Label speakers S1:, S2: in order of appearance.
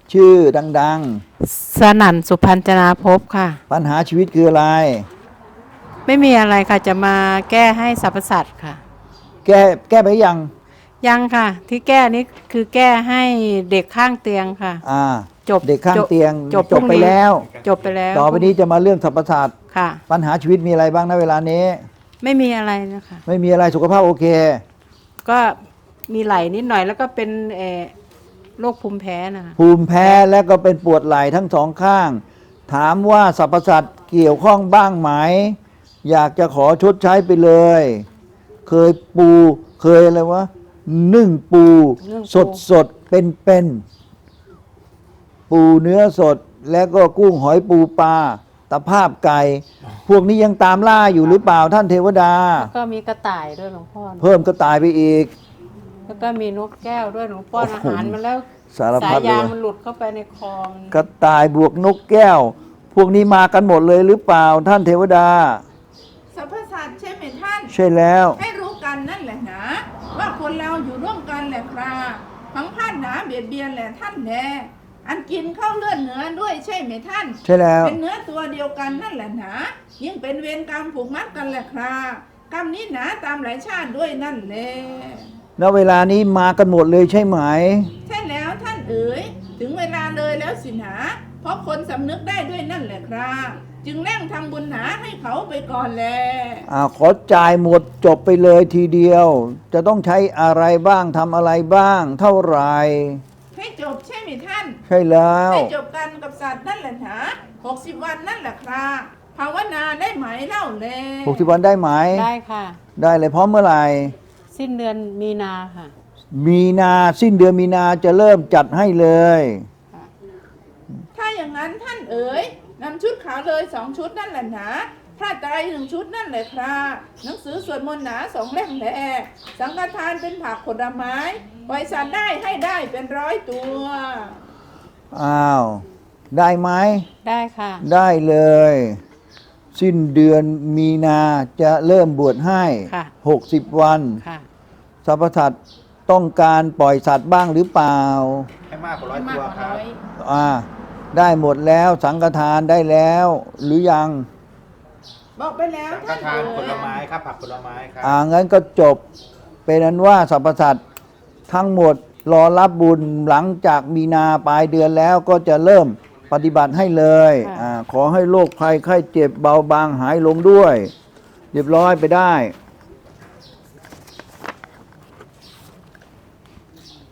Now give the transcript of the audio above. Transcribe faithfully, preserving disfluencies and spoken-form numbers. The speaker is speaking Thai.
S1: ชื่อดัง
S2: สนั่นสุพรรณจนาภพค่ะ
S1: ๆปัญหาชีวิตคืออะไร
S2: ไม่มีอะไรค่ะจะมาแก้ให้สรรพสัตว์ค่ะ
S1: แก้แก้ไปยัง
S2: ยังค่ะที่แก้นี้คือแก้ให้เด็กข้างเตียงค่ะ
S1: อ่า
S2: จบ
S1: เด็กข้างเตียง
S2: จบ
S1: จบไปแล้ว
S2: จบไปแล้ว
S1: ต่อไปนี้จะมาเรื่องสรรพสัตว์
S2: ค่ะ
S1: ปัญหาชีวิตมีอะไรบ้างณเวลานี้
S2: ไม่มีอะไรนะคะ
S1: ไม่มีอะไรสุขภาพโอเค
S2: ก็มีไหล่นิดหน่อยแล้วก็เป็นเอ่อโรคภูมิแพ้นะคะ
S1: ภูมิแพ้และก็เป็นปวดไหล่ทั้งสองข้างถามว่าสรรพสัตว์เกี่ยวข้องบ้างไหมอยากจะขอชดใช้ไปเลยเคยปูเคยอะไรวะนึ่งปูสดสดเป็นเป็นปูเนื้อสดแล้วก็กุ้งหอยปูปลาตะภาพไก่พวกนี้ยังตามล่าอยู่หรือเปล่าท่านเทวดา
S2: แล้วก็มีกระต่ายด้วยหลวงพ่อ
S1: เพิ่มกระต่ายไปอีก
S2: แล้วก็มีนกแก้วด้วยหลวงพ่ออาหารมาแล้ว
S1: สารพัดเลย
S2: สายยางมันหลุดเข้าไปในคลอง
S1: กระต่ายบวกนกแก้วพวกนี้มากันหมดเลยหรือเปล่าท่านเทวดา
S3: สรรพสัตว์ใช่ไหมท่าน
S1: ใช่แล้ว
S3: ให้รู้กันนั่นแหละนะว่าคนเราอยู่ร่วมกันแหละครับพังพาดหนาเบียดเบียนแหละท่านแน่อันกินเข้าเลือดเนื้อด้วยใช่ไหมท่าน
S1: ใช่แล้ว
S3: เป็นเนื้อตัวเดียวกันนั่นแหละนะยิ่งเป็นเวรกรรมผูกมัดกันแหละครับกรรมนี้หนาตามหลายชาติด้วยนั่นแหละ
S1: ณเวลานี้มากันหมดเลยใช่ไหม
S3: ใช่แล้วท่านเอ๋ยถึงเวลาเลยแล้วสินะเพราะคนสำนึกได้ด้วยนั่นแหละครับจึงเร่งทำบุญหนาให้เขาไปก่อนแล
S1: อ่าขอจ่ายหมดจบไปเลยทีเดียวจะต้องใช้อะไรบ้างทำอะไรบ้างเท่าไหร่
S3: ให้จบใช่ไหมท่าน
S1: ใช่แล้ว
S3: ให้จบกันกับสัตว์นั่นแหละนะหกสิบวันนั่นแหละครับภาวนาได้ไหมเล่าแล
S1: หกสิบวันได้ไหม
S2: ได้ค่ะ
S1: ได้เลยพร้อมเมื่อไหร่
S2: สิ้นเดือนมีนาค่ะ
S1: มีนาสิ้นเดือนมีนาจะเริ่มจัดให้เลย
S3: ถ้าอย่างนั้นท่านเอ๋ยนำชุดขาวเลยสองชุดนั่นแหละนะผ้าไตรหนึ่งชุดนั่นแหละครับหนังสือสวดมนต์หนาสองเล่มแหละสังฆทานเป็นผักผลไม้ปล่อยสัตว์ได้ให้ได้เป็นร้อยตัว
S1: อ้าวได้ไหม
S2: ได้ค่ะ
S1: ได้เลยสิ้นเดือนมีนาจะเริ่มบวชให้หกสิบวันสรรพสัตว์ต้องการปล่อยสัตว์บ้างหรือเปล่า
S4: ให้มากกว่าร้อยตัวครับ
S1: อ่าได้หมดแล้วสังฆทานได้แล้วหรือยัง
S3: บอกไปแล้ว
S4: ท่านทานผลไม้ครับผักผลไม้ครับ
S1: อ่างั้นก็จบเป็นนั้นว่าสรรพสัตว์ทั้งหมดรอรับบุญหลังจากมีนาปลายเดือนแล้วก็จะเริ่มปฏิบัติให้เลยอ่าขอให้โรคภัยไข้เจ็บเบาบางหายลงด้วยเรียบร้อยไปได้